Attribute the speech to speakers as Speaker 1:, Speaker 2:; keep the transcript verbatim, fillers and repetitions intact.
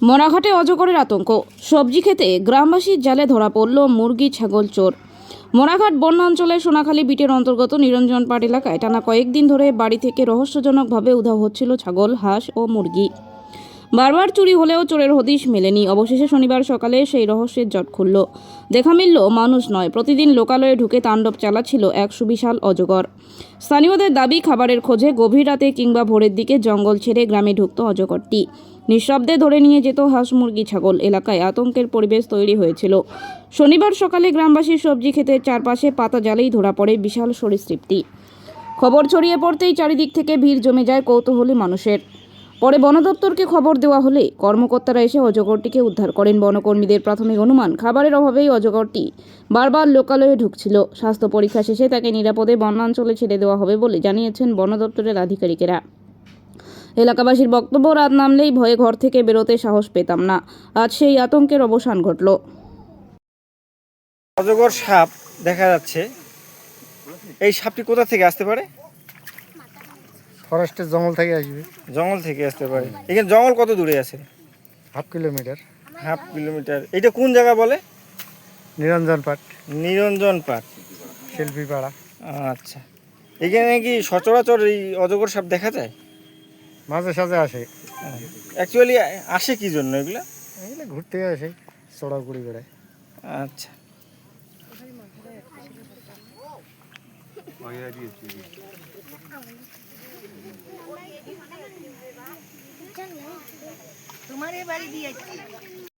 Speaker 1: মরাঘাটে অজগরের আতঙ্ক। সবজি খেতে গ্রামবাসীর জালে ধরা পড়ল মুরগি ছাগল চোর। মরাঘাট বন্যাঞ্চলের সোনাখালী বিটের অন্তর্গত নিরঞ্জন পাট এলাকায় টানা কয়েকদিন ধরে বাড়ি থেকে রহস্যজনকভাবে উধাও হচ্ছিল ছাগল, হাঁস ও মুরগি। বারবার চুরি হলেও চোরের হদিশ মেলেনি। অবশেষে শনিবার সকালে সেই রহস্যের জট খুলল। দেখা মিলল মানুষ নয়, প্রতিদিন লোকালয়ে ঢুকে তাণ্ডব চালাচ্ছিল এক সুবিশাল অজগর। স্থানীয়দের দাবি, খাবারের খোঁজে গভীর রাতে কিংবা ভোরের দিকে জঙ্গল ছেড়ে গ্রামে ঢুকত অজগরটি। নিঃশব্দে ধরে নিয়ে যেত হাঁস, মুরগি, ছাগল। এলাকায় আতঙ্কের পরিবেশ তৈরি হয়েছিল। শনিবার সকালে গ্রামবাসীর সবজি ক্ষেতের চারপাশে পাতা জালেই ধরা পড়ে বিশাল সরীসৃপটি। খবর ছড়িয়ে পড়তেই চারিদিক থেকে ভিড় জমে যায় কৌতূহলী মানুষের। পরে বন দপ্তরকে খবর দেওয়া হলে কর্মকর্তারা এসে অজগরটিকে উদ্ধার করেন। বনকর্মীদের প্রাথমিক অনুমান, খাবারের অভাবেই অজগরটি বারবার লোকালয়ে ঢুকছিল। স্বাস্থ্য পরীক্ষা শেষে তাকে নিরাপদে বনাঞ্চলে ছেড়ে দেওয়া হবে বলে জানিয়েছেন বন দপ্তরের আধিকারিকেরা। এলাকাবাসীর বক্তব্য, রাত নামলেই ভয়ে ঘর থেকে বেরোতে সাহস পেতাম না। আজ সেই আতঙ্কের অবসান ঘটল।
Speaker 2: অজগর সাপ দেখা যাচ্ছে। এই সাপটি কোথা থেকে আসতে পারে?
Speaker 3: ফরেস্টের জঙ্গল থেকে আসবে।
Speaker 2: জঙ্গল থেকে আসতে পারে। এখানে জঙ্গল কত দূরে আছে?
Speaker 3: Half kilometre.
Speaker 2: Half kilometre. এটা কোন জায়গা বলে?
Speaker 3: নিরঞ্জন পাট,
Speaker 2: নিরঞ্জন পাট,
Speaker 3: শিল্পী পাড়া।
Speaker 2: আচ্ছা, এখানে কি সচরাচর এই অজগর সাপ দেখা যায়?
Speaker 3: মাঝে সাঝে আসে।
Speaker 2: অ্যাকচুয়ালি আসে কি জন্য এগুলা?
Speaker 3: এগুলো ঘুরতে আসে, চড়াগুড়ি বেড়ায়।
Speaker 2: আচ্ছা,
Speaker 4: তোমার বাড়ি দিয়ে